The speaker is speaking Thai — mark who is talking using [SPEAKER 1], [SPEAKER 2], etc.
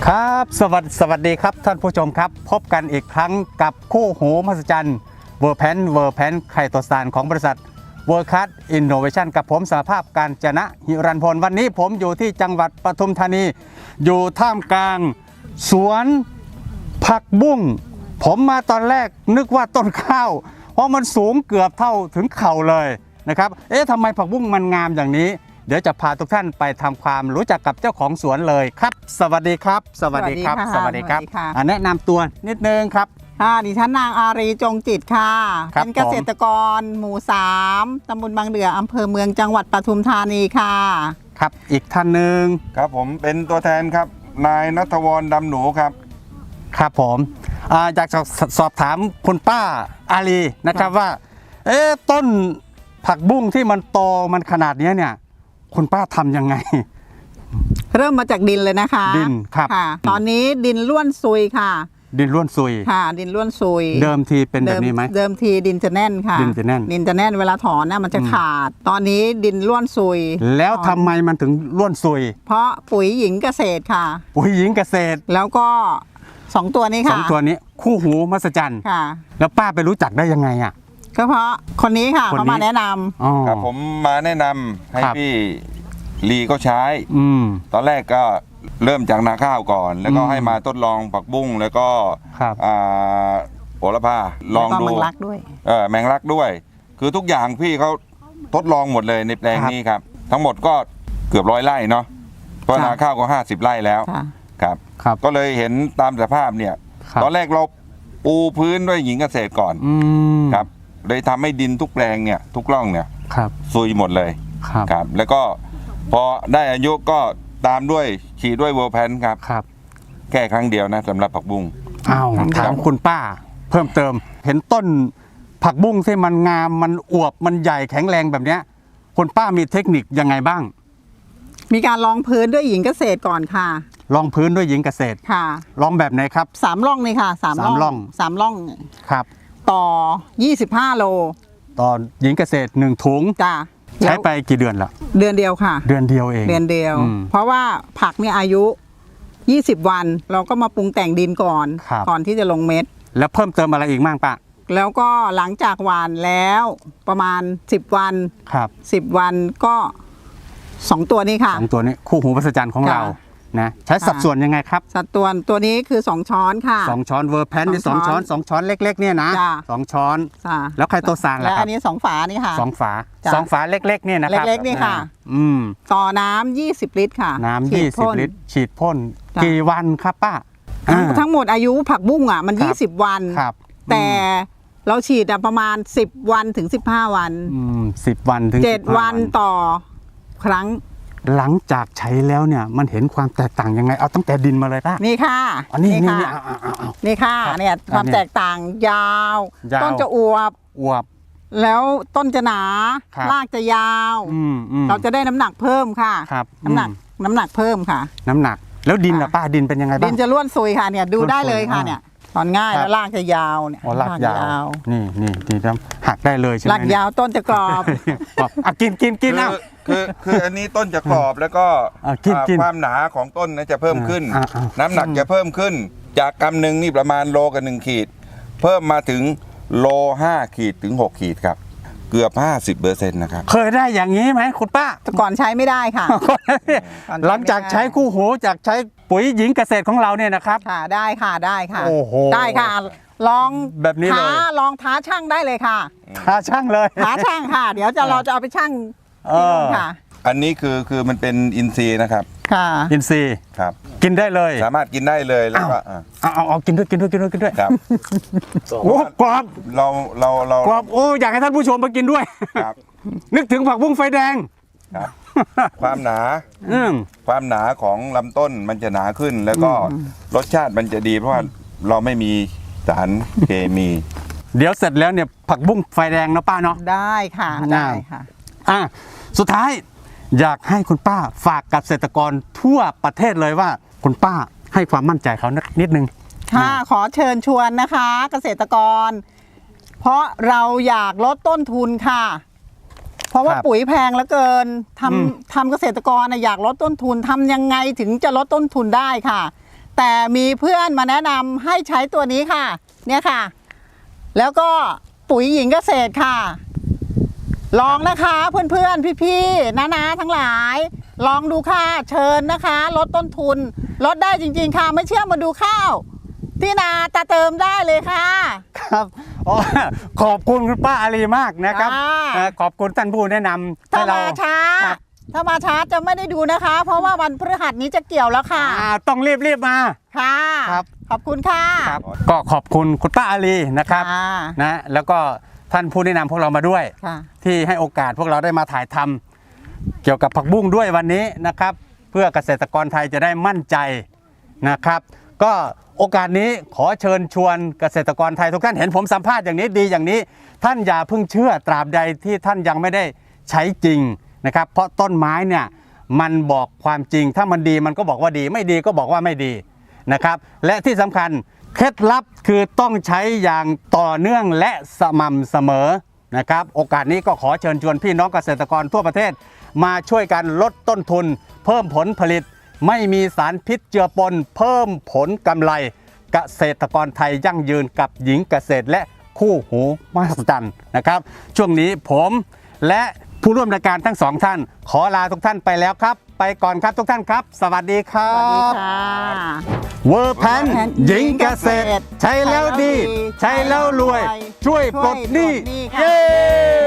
[SPEAKER 1] ครับสวัสดีครับท่านผู้ชมครับพบกันอีกครั้งกับคู่หูมหัศจรรย์เวอร์แพนไคโตซานของบริษัทเวิร์คัสอินโนเวชันกับผมสหภาพการจนะหิรันพลวันนี้ผมอยู่ที่จังหวัดปทุมธานีอยู่ท่ามกลางสวนผักบุ้งผมมาตอนแรกนึกว่าต้นข้าวเพราะมันสูงเกือบเท่าถึงเข่าเลยนะครับทำไมผักบุ้งมันงามอย่างนี้เดี๋ยวจะพาทุกท่านไปทำความรู้จักกับเจ้าของสวนเลยครับสวัสดีครับสวัสดีครับแนะนำตัวนิดนึงครับ
[SPEAKER 2] ดิฉันนางอารีจงจิตค่ะเป็นเกษตรกรหมู่3ตำบลบางเดืออำเภอเมืองจังหวัดปทุมธานีค่ะ
[SPEAKER 1] ครับอีกท่านหนึ่ง
[SPEAKER 3] ครับผมเป็นตัวแทนครับนายณัฐวรดำหนูครับ
[SPEAKER 1] ครับผมอยากจะสอบถามคุณป้าอารีนะครับว่าต้นผักบุ้งที่มันโตมันขนาดนี้เนี่ยคุณป้าทำยังไง
[SPEAKER 2] เริ่มมาจากดินเลยนะคะ
[SPEAKER 1] ดินครับ
[SPEAKER 2] ตอนนี้ดินล้วนซุยค่ะ
[SPEAKER 1] ดินล้วนซุย
[SPEAKER 2] ค่ะดินล้วนซุย
[SPEAKER 1] เดิมทีเป็นแบบนี้ไหม
[SPEAKER 2] เดิมทีดินจะแน่นค่ะ
[SPEAKER 1] ดินจะแน่
[SPEAKER 2] นเวลาถอนน่ะมันจะขาดตอนนี้ดินล้วนซุย
[SPEAKER 1] แล้วทำไมมันถึงล้วนซุย
[SPEAKER 2] เพราะปุ๋ยหญิงเกษตรค่ะ
[SPEAKER 1] ปุ๋ยหญิงเกษตร
[SPEAKER 2] แล้วก็2ตัวนี้ค่ะ
[SPEAKER 1] 2ตัวนี้คู่หูมหัศจรรย์
[SPEAKER 2] ค่ะ
[SPEAKER 1] แล้วป้าไปรู้จักได้ยังไงอ่ะ
[SPEAKER 2] ก็เพราะคนนี้ค่ะเขามาแนะน
[SPEAKER 3] ำครับผมมาแนะนำให้พี่ลีก็ใช้ตอนแรกก็เริ่มจากนาข้าวก่อนแล้วก็ให้มาทดลองผักบุ้งแล้วก็โหระพาลองดู
[SPEAKER 2] แมงลักด้วย
[SPEAKER 3] แมงลักด้วยคือทุกอย่างพี่เขาทดลองหมดเลยในแปลงนี้ครับทั้งหมดก็เกือบ100 ไร่เนาะเพราะนาข้าวก็50 ไร่แล้วครับก็เลยเห็นตามสภาพเนี่ยตอนแรกเราปูพื้นด้วยหญิงเกษตรก่อนครับเลยทำให้ดินทุกแปลงเนี่ยทุกร่องเนี่ยซุยหมดเลยครับแล้วก็พอได้อายุก็ตามด้วยฉีดด้วยเวอร์แพนครับแค่ครั้งเดียวนะสำหรับผักบุ้ง
[SPEAKER 1] ถามคุณป้าเพิ่มเติมเห็นต้นผักบุ้งที่มันงามมันอวบมันใหญ่แข็งแรงแบบเนี้ยคุณป้ามีเทคนิคยังไงบ้าง
[SPEAKER 2] มีการรองพื้นด้วยหญิงเกษตรก่อนค่ะ
[SPEAKER 1] รองพื้นด้วยหญิงเกษตร
[SPEAKER 2] ค่ะ
[SPEAKER 1] รองแบบไหนครับ
[SPEAKER 2] 3 ร่องนี่ค่ะ3 ร่อง
[SPEAKER 1] ครับ
[SPEAKER 2] ต่อ25 โล
[SPEAKER 1] ต่อหญิงเกษตร1 ถุง
[SPEAKER 2] จ้า
[SPEAKER 1] ใช้ไปกี่เดือนละ
[SPEAKER 2] เดือนเดียวค่ะ
[SPEAKER 1] เดือนเดียวเอง
[SPEAKER 2] เดือนเดียวเพราะว่าผักเนี่ยอายุ20 วันเราก็มาปรุงแต่งดินก่อนที่จะลงเม็ด
[SPEAKER 1] แล้วเพิ่มเติมอะไรอีกบ้างป้า
[SPEAKER 2] แล้วก็หลังจากหว่านแล้วประมาณ10 วัน10 วันก็2 ตัวนี้ค่ะ
[SPEAKER 1] 2 ตัวนี้คู่หูมหัศจรรย์ของเรานะใช้สัดส่วนยังไงครับ
[SPEAKER 2] สัดส่วนตัวนี้คือ2 ช้อนค่ะ
[SPEAKER 1] 2 ช้อนเวอร์แพนนี่2 ช้อนเล็กๆเนี่ยนะ2 ช้อนแล้วไคโตซานล่ะครับ
[SPEAKER 2] และอันนี้2 ฝานี่ค่ะ
[SPEAKER 1] 2 ฝาเล็กๆเนี่ยนะครับ
[SPEAKER 2] เล็กๆนี่ค่ะต่อน้ำ20 ลิตรค่ะ
[SPEAKER 1] น้ำ20 ลิตรฉีดพ่นกี่วันครับป้า
[SPEAKER 2] ทั้งหมดอายุผักบุ้งอ่ะมัน20 วันแต่เราฉีดประมาณ10 วันถึง15 วัน
[SPEAKER 1] 10 วันถึง
[SPEAKER 2] 7 วันต่อครั้ง
[SPEAKER 1] หลังจากใช้แล้วเนี่ยมันเห็นความแตกต่างยังไงเอาตั้งแต่ดินมาเลยป้า
[SPEAKER 2] นี่ค่ะ
[SPEAKER 1] นี่ค่ะ
[SPEAKER 2] เนี่ยความแตกต่างยาวต้นจะอวบแล้วต้นจะหนารากจะยาวเราจะได้น้ำหนักเพิ่มค่ะน้ำหนักเพิ่มค่ะ
[SPEAKER 1] น้ำหนักแล้วดินล่ะป้าดินเป็นยังไงบ้าง
[SPEAKER 2] ดินจะล้วนซุยค่ะเนี่ยดูได้เลยค่ะเนี่ยถอนง่ายแล้วรากจะยาวเนี่ย
[SPEAKER 1] รากยาวนี่หักได้เลยใช่ไหม
[SPEAKER 2] รากยาวต้นจะกรอบ
[SPEAKER 1] กินนะ
[SPEAKER 3] คืออันนี้ต้นจะกรอบแล้วก็ความหนาของต้นจะเพิ่มขึ้นน้ำหนักจะเพิ่มขึ้นจากกำหนึ่งนี่ประมาณโลกับ1 ขีดเพิ่มมาถึงโล5 ขีดถึง6 ขีดครับเกือบ 50% นะครับ
[SPEAKER 1] เคยได้อย่างนี้ไหมคุณป้า
[SPEAKER 2] ก่อนใช้ไม่ได้ค่ะ
[SPEAKER 1] หลังจากใช้คู่หูจากใช้ปุ๋ยหญิงเกษตรของเราเนี่ยนะครับ
[SPEAKER 2] ได้ค่ะ
[SPEAKER 1] โอ้โห
[SPEAKER 2] ได้ค่ะลอง
[SPEAKER 1] แบบนี้เลย
[SPEAKER 2] ลองท้าช่างได้เลยค่ะ
[SPEAKER 1] ท้าช่างเลย
[SPEAKER 2] ท้าช่างค่ะเดี๋ยวเราจะเอาไปช่างที่นู่นค่ะ
[SPEAKER 3] อันนี้คือมันเป็นอินทรีย์นะครับ
[SPEAKER 2] ค่ะ
[SPEAKER 1] อินทรีย์
[SPEAKER 3] ครับ
[SPEAKER 1] กินได้เลย
[SPEAKER 3] สามารถกินได้เลยแล้วก็
[SPEAKER 1] เอากินด้วย
[SPEAKER 3] ครับ
[SPEAKER 1] โอ้กรอบ
[SPEAKER 3] เรา
[SPEAKER 1] กรอบโอ้อยากให้ท่านผู้ชมมากินด้วย
[SPEAKER 3] ครับ
[SPEAKER 1] นึกถึงผักบุ้งไฟแดง
[SPEAKER 3] ครับความหนาของลำต้นมันจะหนาขึ้นแล้วก็รสชาติมันจะดีเพราะว่าเราไม่มีสารเคมี
[SPEAKER 1] เดี๋ยวเสร็จแล้วเนี่ยผักบุ้งไฟแดงนะป้าเนาะ
[SPEAKER 2] ได้ค่ะ
[SPEAKER 1] สุดท้ายอยากให้คุณป้าฝากกับเกษตรกรทั่วประเทศเลยว่าคุณป้าให้ความมั่นใจเขานิดนึง
[SPEAKER 2] ค่ะขอเชิญชวนนะคะเกษตรกรเพราะเราอยากลดต้นทุนค่ะเพราะว่าปุ๋ยแพงเหลือเกินทำเกษตรกรอยากลดต้นทุนทำยังไงถึงจะลดต้นทุนได้ค่ะแต่มีเพื่อนมาแนะนำให้ใช้ตัวนี้ค่ะ เนี่ยค่ะ แล้วก็ปุ๋ยหญิงเกษตรค่ะ ลองนะคะเพื่อนๆพี่ๆน้าๆทั้งหลาย ลองดูค่ะเชิญนะคะลดต้นทุนลดได้จริงๆค่ะไม่เชื่อมาดูข้าวที่นาตาเติมได้เลยค่ะ
[SPEAKER 1] ครับอ๋อขอบคุณคุณป้าอารีมากนะครับ ขอบคุณท่านผู้แนะนำ
[SPEAKER 2] ถ้า
[SPEAKER 1] ให้เรา
[SPEAKER 2] มาช้า
[SPEAKER 1] ครับ
[SPEAKER 2] ถ้ามาช้าจะไม่ได้ดูนะคะ เพราะว่าวันพฤหัสนี้จะเกี่ยวแล้วค่ะ
[SPEAKER 1] ต้องรีบมา
[SPEAKER 2] ค่ะ
[SPEAKER 1] ครับ
[SPEAKER 2] ขอบคุณค่ะ
[SPEAKER 1] ครับก็ขอบคุณคุณป้าอารีนะครับ
[SPEAKER 2] ค่ะ
[SPEAKER 1] นะแล้วก็ท่านผู้แนะนำพวกเรามาด้วย
[SPEAKER 2] ค่ะ
[SPEAKER 1] ที่ให้โอกาสพวกเราได้มาถ่ายทำเกี่ยวกับผักบุ้งด้วยวันนี้นะครับ เพื่อเกษตรกรไทยจะได้มั่นใจนะครับ ก็โอกาสนี้ขอเชิญชวนเกษตรกรไทยทุกท่านเห็นผมสัมภาษณ์อย่างนี้ดีอย่างนี้ ท่านอย่าเพิ่งเชื่อตราบใดที่ท่านยังไม่ได้ใช้จริงนะครับ เพราะต้นไม้เนี่ยมันบอกความจริง ถ้ามันดีมันก็บอกว่าดีไม่ดีก็บอกว่าไม่ดีนะครับ และที่สำคัญเคล็ดลับคือต้องใช้อย่างต่อเนื่องและสม่ำเสมอนะครับ โอกาสนี้ก็ขอเชิญชวนพี่น้องเกษตรกรทั่วประเทศ มาช่วยกันลดต้นทุน เพิ่มผลผลิต ไม่มีสารพิษเจือปน เพิ่มผลกำไรเกษตรกรไทยยั่งยืนกับหญิงเกษตรและคู่หูมหัศจรรย์นะครับ ช่วงนี้ผมและผู้ร่วมรายการทั้งสองท่าน ขอลาทุกท่านไปแล้วครับ ไปก่อนครับทุกท่านครับ สวัสดีครั
[SPEAKER 2] สวัสดี
[SPEAKER 1] บ
[SPEAKER 2] ค่ะ
[SPEAKER 1] เวอร์แพนหญิงเกษตร ใช้แล้วดี ใช้แล้วรวย ช่วยปลดหนี้
[SPEAKER 2] ช่วยปลดหนี้ค่ะ
[SPEAKER 1] เย้